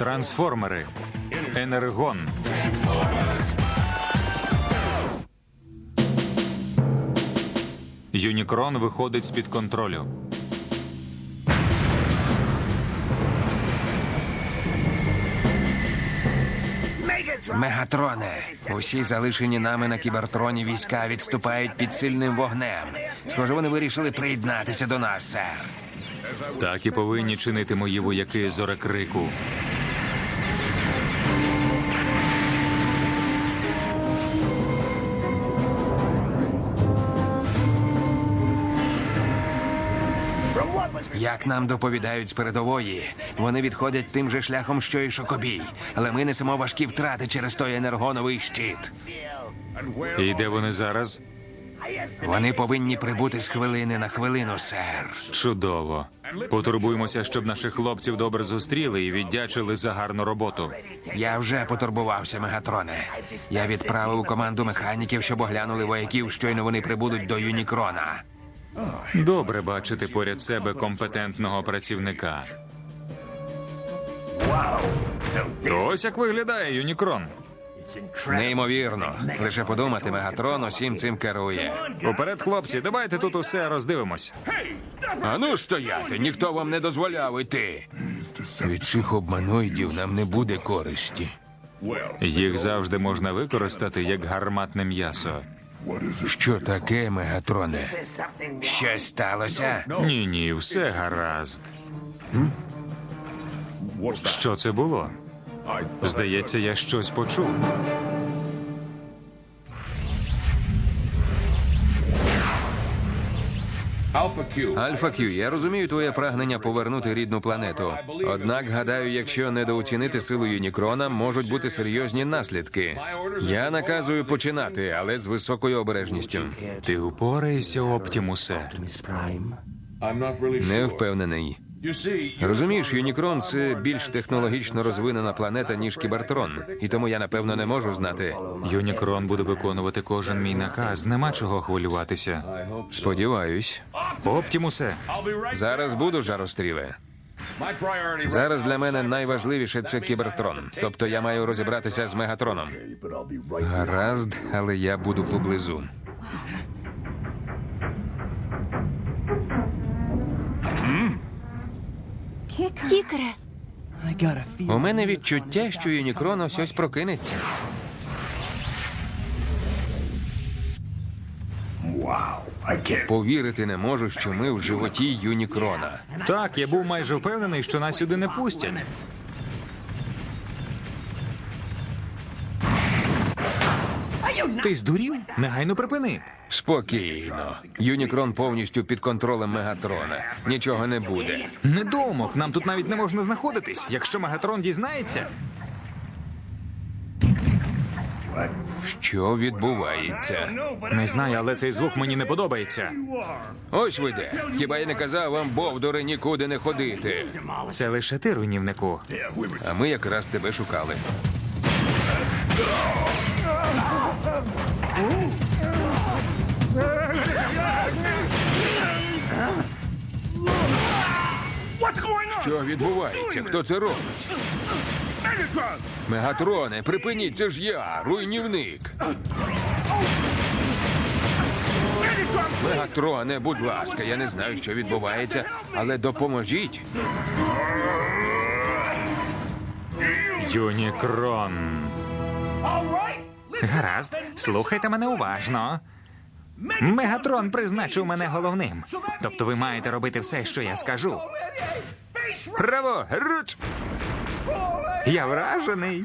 Трансформери. Енергон. Юнікрон виходить з-під контролю. Мегатроне, усі залишені нами на Кібертроні війська відступають під сильним вогнем. Схоже, вони вирішили приєднатися до нас, сер. Так і повинні чинити мої вояки Зорекрику. Як нам доповідають з передової, вони відходять тим же шляхом, що і Шокобій. Але ми несемо важкі втрати через той енергоновий щит. І де вони зараз? Вони повинні прибути з хвилини на хвилину, сер. Чудово. Потурбуємося, щоб наших хлопців добре зустріли і віддячили за гарну роботу. Я вже потурбувався, Мегатроне. Я відправив команду механіків, щоб оглянули вояків, щойно вони прибудуть до Юнікрона. Добре бачити поряд себе компетентного працівника. Ось як виглядає Юнікрон. Неймовірно. Лише подумати, Мегатрон усім цим керує. Уперед, хлопці, давайте тут усе роздивимось. Ану стояти, ніхто вам не дозволяв іти. Від цих обманоїдів нам не буде користі. Їх завжди можна використати як гарматне м'ясо. Що таке, Мегатроне? Щось сталося? Ні, все гаразд. Що це було? Здається, я щось почув. Альфа Кью, я розумію твоє прагнення повернути рідну планету. Однак, гадаю, якщо недооцінити силу Юнікрона, можуть бути серйозні наслідки. Я наказую починати, але з високою обережністю. Ти упораєшся, Оптімусе? Не впевнений. Розумієш, Юнікрон – це більш технологічно розвинена планета, ніж Кібертрон. І тому я, напевно, не можу знати. Юнікрон буде виконувати кожен мій наказ. Нема чого хвилюватися. Сподіваюсь. Оптімусе! Зараз буду, жаростріле. Зараз для мене найважливіше – це Кібертрон. Тобто я маю розібратися з Мегатроном. Гаразд, але я буду поблизу. Кікере, У мене відчуття, що Юнікрон ось прокинеться. Повірити не можу, що ми в животі Юнікрона. Так, я був майже впевнений, що нас сюди не пустять. Ти здурів? Негайно припини. Спокійно. Юнікрон повністю під контролем Мегатрона. Нічого не буде. Недоумок, нам тут навіть не можна знаходитись. Якщо Мегатрон дізнається... Що відбувається? Не знаю, але цей звук мені не подобається. Ось ви де. Хіба я не казав вам, бовдури, нікуди не ходити? Це лише ти, руйнівнику. А ми якраз тебе шукали. Що відбувається? Хто це робить? Мегатроне, припиніть, це ж я, руйнівник. Мегатроне, будь ласка, я не знаю, що відбувається, але допоможіть. Юнікрон. Гаразд, слухайте мене уважно. Мегатрон призначив мене головним. Тобто ви маєте робити все, що я скажу. Право, руч! Я вражений.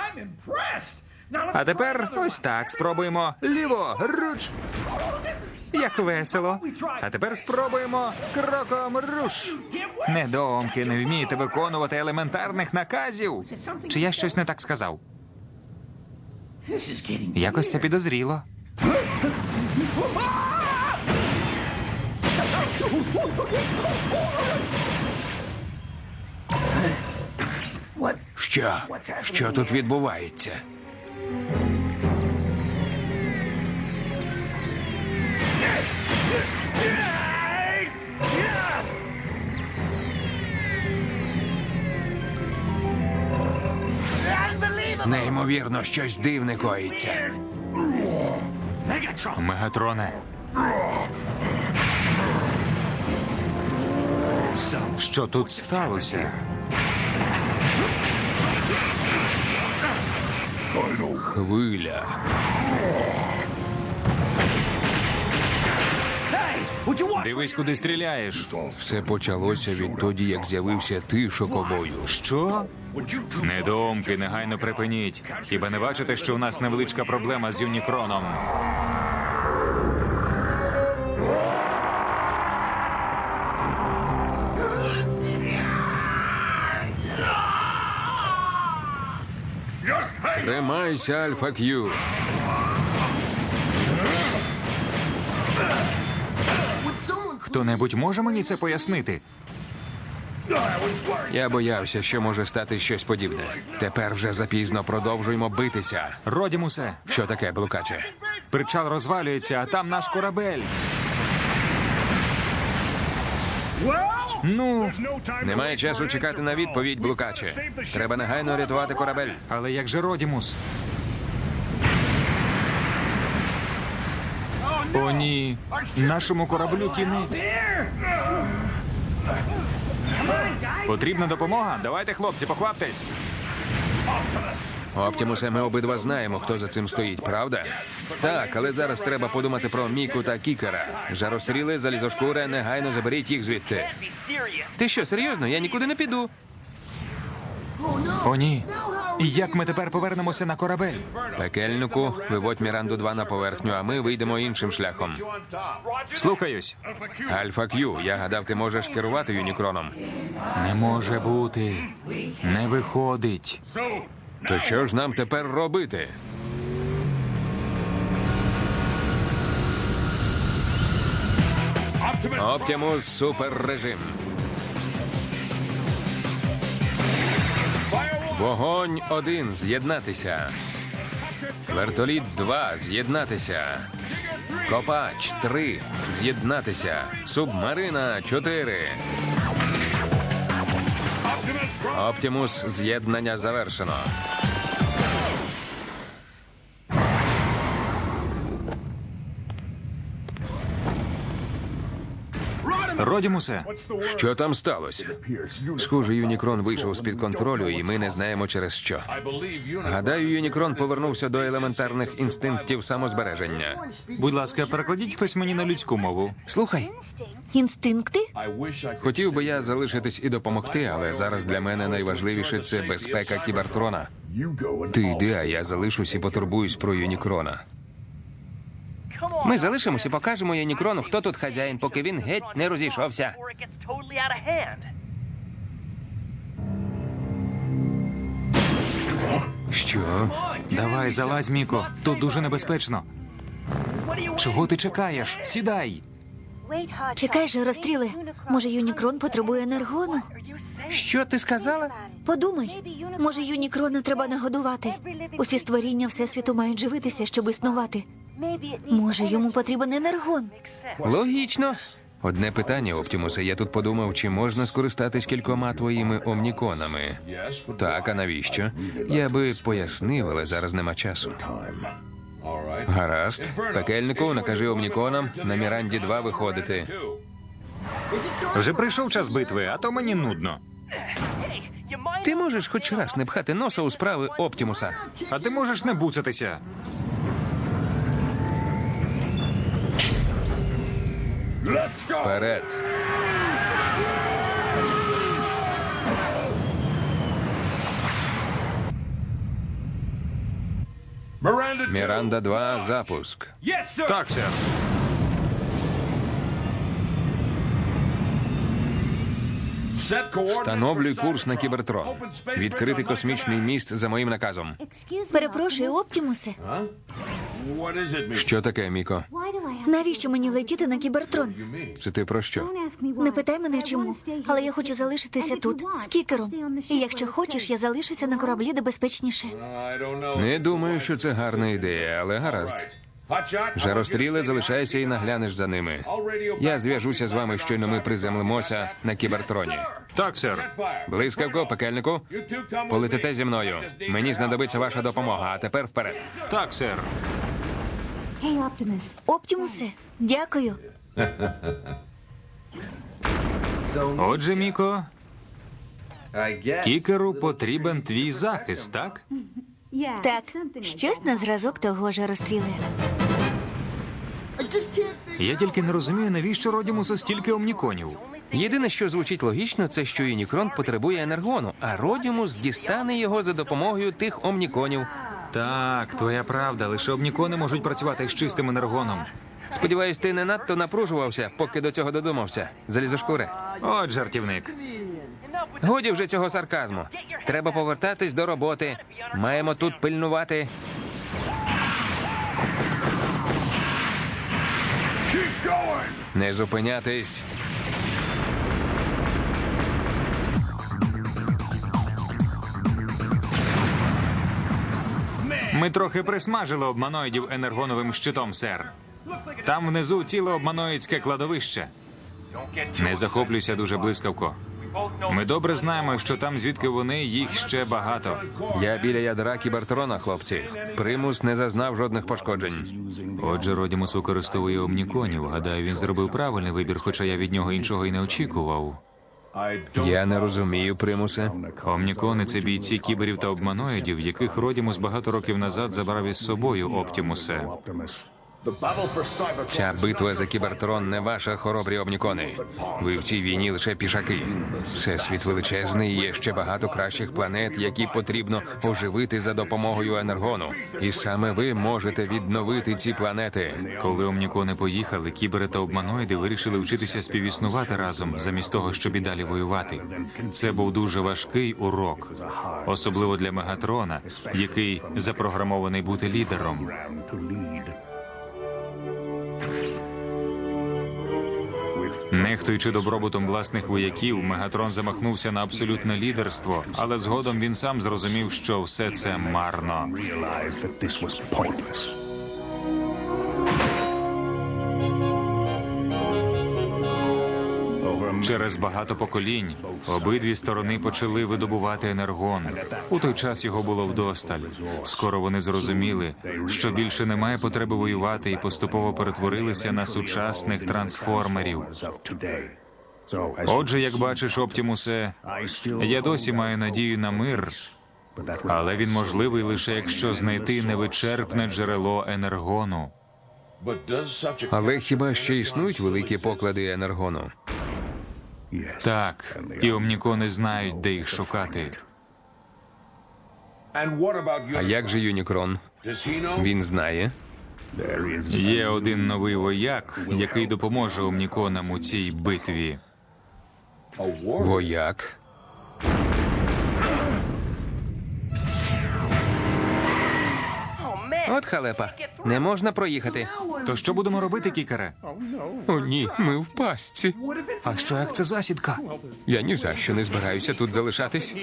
А тепер ось так спробуємо. Ліво, руч! Як весело. А тепер спробуємо кроком руш. Недоумки, не вмієте виконувати елементарних наказів. Чи я щось не так сказав? Якось це підозріло. Що? Що тут відбувається? Неймовірно, щось дивне коїться. Мегатроне. Що тут сталося? Хвиля. Дивись, куди стріляєш. Все почалося відтоді, як з'явився ти, шокобою. Що? Недоумки, негайно припиніть. Хіба не бачите, що у нас невеличка проблема з Юнікроном? Тримайся, Альфа Кью. Хто-небудь може мені це пояснити? Я боявся, що може стати щось подібне. Тепер вже запізно, продовжуємо битися. Родімусе, Що таке, блукаче? причал розвалюється, а там наш корабель. Ну, Немає часу чекати на відповідь, блукаче. Треба негайно рятувати корабель. але як же Родімус? О, ні. Нашому кораблю кінець. Потрібна допомога? Давайте, хлопці, покваптесь. Оптімусе, ми обидва знаємо, хто за цим стоїть, правда? Так, але зараз треба подумати про Міку та Кікера. Жаростріли, залізошкури, негайно заберіть їх звідти. Ти що, серйозно? Я нікуди не піду. О, ні. І як ми тепер повернемося на корабель? Пекельнику, виводь Міранду 2 на поверхню, а ми вийдемо іншим шляхом. Слухаюсь. Альфа Кью, я гадав, ти можеш керувати Юнікроном. Не може бути. Не виходить. То що ж нам тепер робити? Оптимус суперрежим. Вогонь 1 з'єднатися. Вертоліт 2 з'єднатися. Копач 3 з'єднатися. Субмарина 4. Оптимус з'єднання завершено. Родімусе, Що там сталося? Схоже, Юнікрон вийшов з-під контролю, і ми не знаємо через що. Гадаю, Юнікрон повернувся до елементарних інстинктів самозбереження. будь ласка, перекладіть хтось мені на людську мову. Слухай, Інстинкти? хотів би я залишитись і допомогти, але зараз для мене найважливіше – це безпека Кібертрона. Ти йди, а я залишусь і потурбуюсь про Юнікрона. Ми залишимося і покажемо Юнікрону, хто тут хазяїн, поки він геть не розійшовся. Що? Давай, залазь, Міко. Тут дуже небезпечно. Чого ти чекаєш? Сідай. Чекай же, розстріли. Може, Юнікрон потребує енергону? Що ти сказала? Подумай, може, Юнікрона треба нагодувати. Усі створіння Всесвіту мають живитися, щоб існувати. Може, йому потрібен енергон? Логічно. Одне питання, Оптімусе. Я тут подумав, чи можна скористатись кількома твоїми омніконами. Так, а навіщо? Я би пояснив, але зараз нема часу. Гаразд. Пекельнику, накажи омніконам на Міранді 2 виходити. Вже прийшов час битви, а то мені нудно. Ти можеш хоч раз не пхати носа у справи Оптімуса? А ти можеш не буцатися. Вперед. Міранда 2, запуск. Так, сер. Встановлюй курс на Кібертрон. Відкрити космічний міст за моїм наказом. Перепрошую, Оптімусе. Що таке, Міко? Навіщо мені летіти на Кібертрон? Це ти про що? Не питай мене чому, але я хочу залишитися тут, з Кікером. І якщо хочеш, я залишуся на кораблі, де безпечніше. Не думаю, що це гарна ідея, але гаразд. Жаростріле, залишайся і наглянеш за ними. Я зв'яжуся з вами, щойно ми приземлимося на Кібертроні. Так, сер. Блискавко, пекельнику. Полетите зі мною. Мені знадобиться ваша допомога, а тепер вперед. Так, сер. Оптімусе, дякую. Отже, Міко, кікеру потрібен твій захист, так? Так, щось на зразок того ж розстріли. Я тільки не розумію, навіщо Родімусу стільки омніконів. Єдине, що звучить логічно, це що Юнікрон потребує енергону, а Родімус дістане його за допомогою тих омніконів. Так, твоя правда, лише омнікони можуть працювати з чистим енергоном. Сподіваюсь, ти не надто напружувався, поки до цього додумався. Залізошкуре. От жартівник. Годі вже цього сарказму. Треба повертатись до роботи. Маємо тут пильнувати. Не зупинятись. Ми трохи присмажили обманоїдів енергоновим щитом, сер. Там внизу ціле обманоїдське кладовище. Не захоплюйся дуже блискавко. Ми добре знаємо, що там, звідки вони, їх ще багато. Я біля ядра Кібертрона, хлопці. Примус не зазнав жодних пошкоджень. Отже, Родімус використовує омніконів. Гадаю, він зробив правильний вибір, хоча я від нього іншого й не очікував. Я не розумію, Примусе. Омнікони – це бійці кіберів та обманоїдів, яких Родімус багато років назад забрав із собою, Оптімусе. Ця битва за Кібертрон не ваша, хоробрі омнікони. Ви в цій війні лише пішаки. Всесвіт величезний, і є ще багато кращих планет, які потрібно оживити за допомогою енергону. І саме ви можете відновити ці планети. Коли омнікони поїхали, кібери та обманоїди вирішили вчитися співіснувати разом, замість того, щоб і далі воювати. Це був дуже важкий урок. Особливо для Мегатрона, який запрограмований бути лідером. Нехтуючи добробутом власних вояків, Мегатрон замахнувся на абсолютне лідерство, але згодом він сам зрозумів, що все це марно. Через багато поколінь обидві сторони почали видобувати енергон. У той час його було вдосталь. Скоро вони зрозуміли, що більше немає потреби воювати, і поступово перетворилися на сучасних трансформерів. Отже, як бачиш, Оптімусе, я досі маю надію на мир, але він можливий лише якщо знайти невичерпне джерело енергону. Але хіба ще існують великі поклади енергону? Так, і омнікони знають, де їх шукати. А як же Юнікрон? Він знає. Є один новий вояк, який допоможе омніконам у цій битві. Вояк? От халепа. Не можна проїхати. То що будемо робити, кікере? О, ні, ми в пастці. А що, як це засідка? Я ні за що не збираюся тут залишатись.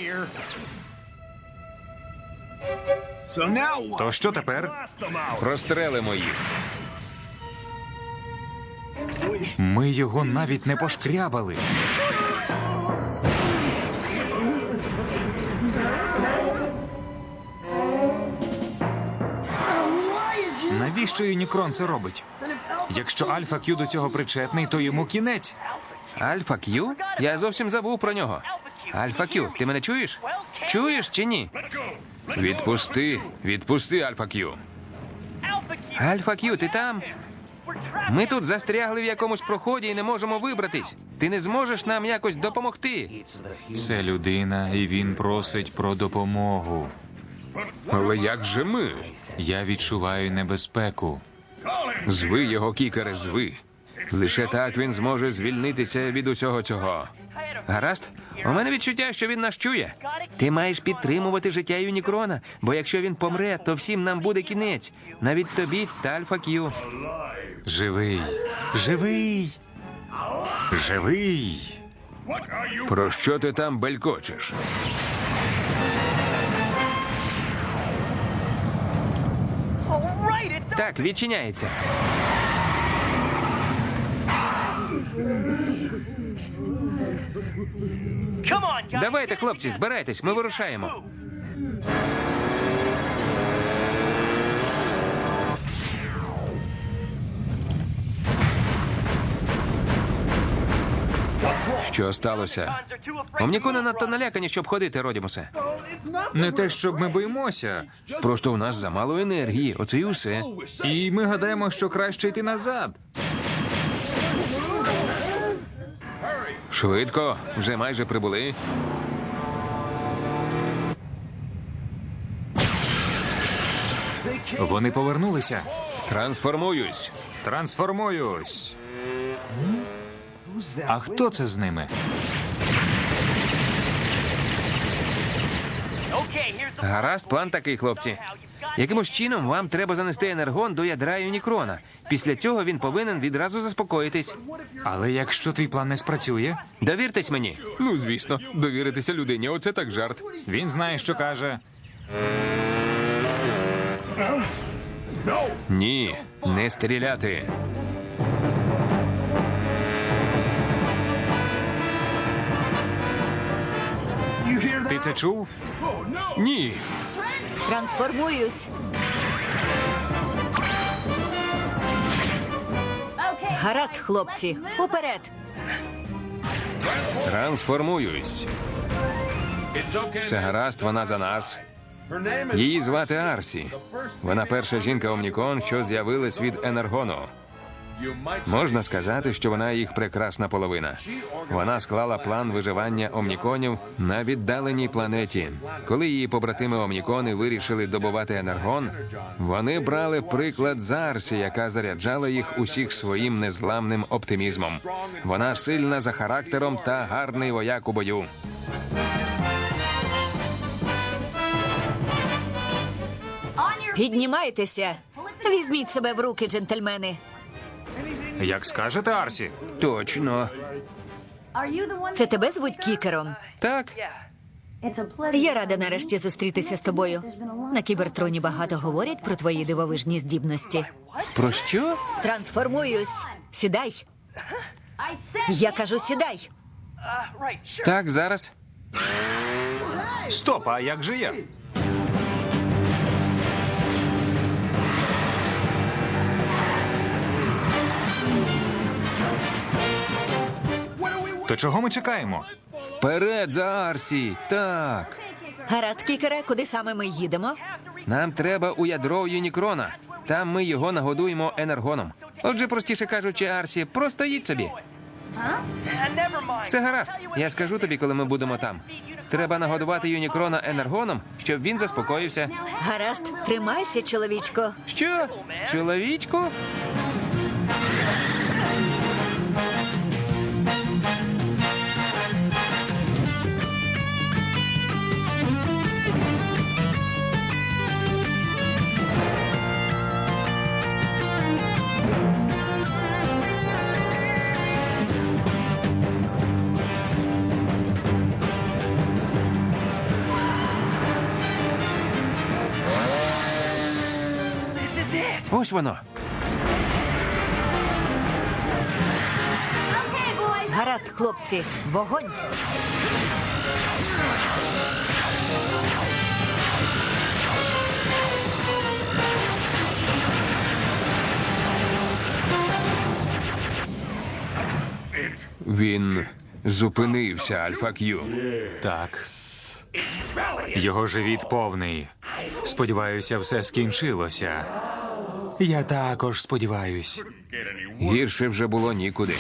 То що тепер? Прострелимо їх. Ми його навіть не пошкрябали. Навіщо Юнікрон це робить? Якщо Альфа Кью до цього причетний, то йому кінець. Альфа Кью? Я зовсім забув про нього. Альфа Кью, ти мене чуєш? Чуєш чи ні? Відпусти, Альфа Кью. Альфа Кью, ти там? Ми тут застрягли в якомусь проході і не можемо вибратись. Ти не зможеш нам якось допомогти. Це людина, і він просить про допомогу. Але як же ми? Я відчуваю небезпеку. Зви його, кікере, зви. Лише так він зможе звільнитися від усього цього. Гаразд? У мене відчуття, що він нас чує. Ти маєш підтримувати життя Юнікрона, бо якщо він помре, то всім нам буде кінець. Навіть тобі та Альфа Кью. Живий! Живий! Живий! Про що ти там белькочеш? Так, відчиняється. Давайте, хлопці, збирайтесь, ми вирушаємо. Що сталося? Омнікони надто налякані, щоб ходити, Родімусе. Не те, щоб ми боїмося. Просто у нас замало енергії, оце і усе. І ми гадаємо, що краще йти назад. Швидко, вже майже прибули. Вони повернулися. Трансформуюсь. Трансформуюсь. А хто це з ними? Гаразд, план такий, хлопці. Якимось чином вам треба занести енергон до ядра Юнікрона. Після цього він повинен відразу заспокоїтись. Але якщо твій план не спрацює, Довіртесь мені. Ну, звісно, довіритися людині, оце так жарт. він знає, що каже. Ні, не стріляти. Ти це чув? Ні. Трансформуюсь. Гаразд, хлопці, уперед. Трансформуюсь. Все гаразд, вона за нас. Її звати Арсі. Вона перша жінка Омнікон, що з'явилась від енергону. Можна сказати, що вона їх прекрасна половина. Вона склала план виживання омніконів на віддаленій планеті. Коли її побратими омнікони вирішили добувати енергон, вони брали приклад з Арсі, яка заряджала їх усіх своїм незламним оптимізмом. Вона сильна за характером та гарний вояк у бою. Піднімайтеся. Візьміть себе в руки, джентльмени. Як скажете, Арсі? Точно. Це тебе звуть Кікером? Так, Я рада нарешті зустрітися з тобою. На Кібертроні багато говорять про твої дивовижні здібності. про що? Трансформуюсь. Сідай. Я кажу, сідай. Так, зараз. Стоп, а як же я? То чого ми чекаємо? Вперед за Арсі. Так. Гаразд, Кікере, куди саме ми їдемо? Нам треба у ядро Юнікрона. Там ми його нагодуємо енергоном. Отже, простіше кажучи, Арсі, просто їдь собі. Все гаразд. Я скажу тобі, коли ми будемо там. Треба нагодувати Юнікрона енергоном, щоб він заспокоївся. Гаразд, тримайся, чоловічко. Що? Чоловічку? Ось воно. Гаразд, хлопці, вогонь. Він зупинився, Альфа Кью. Так. Його живіт повний. Сподіваюся, все скінчилося. Я також сподіваюсь. Гірше вже було нікуди.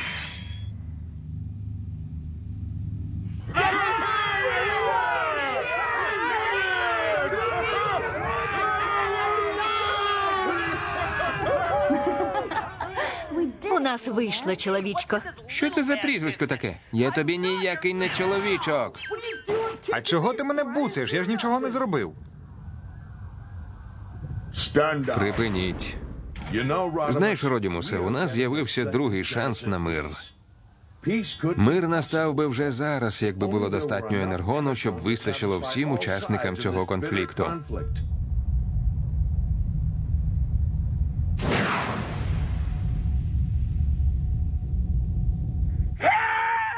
У нас вийшло, чоловічко. Що це за прізвисько таке? Я тобі ніякий не чоловічок. А чого ти мене буцаєш? Я ж нічого не зробив. Припиніть. Знаєш, Родімусе, у нас з'явився другий шанс на мир. Мир настав би вже зараз, якби було достатньо енергону, щоб вистачило всім учасникам цього конфлікту.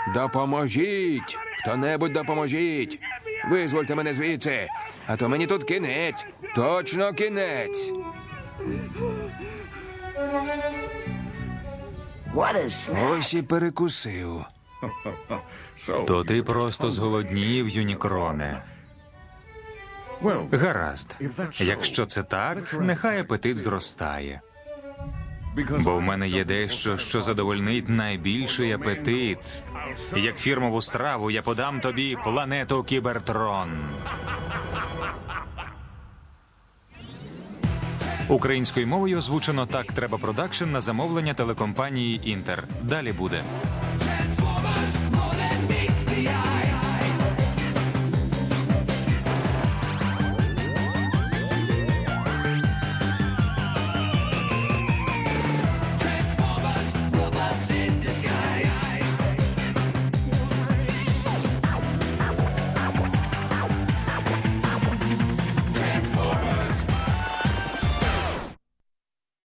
Допоможіть! Хто-небудь допоможіть! Визвольте мене звідси, а то мені тут кінець. Точно кінець. Ось і перекусив. То ти просто зголоднів, Юнікроне. Гаразд. Якщо це так, нехай апетит зростає. Бо в мене є дещо, що задовольнить найбільший апетит. Як фірмову страву я подам тобі планету Кібертрон. Українською мовою озвучено «Так треба продакшн» на замовлення телекомпанії «Інтер». Далі буде.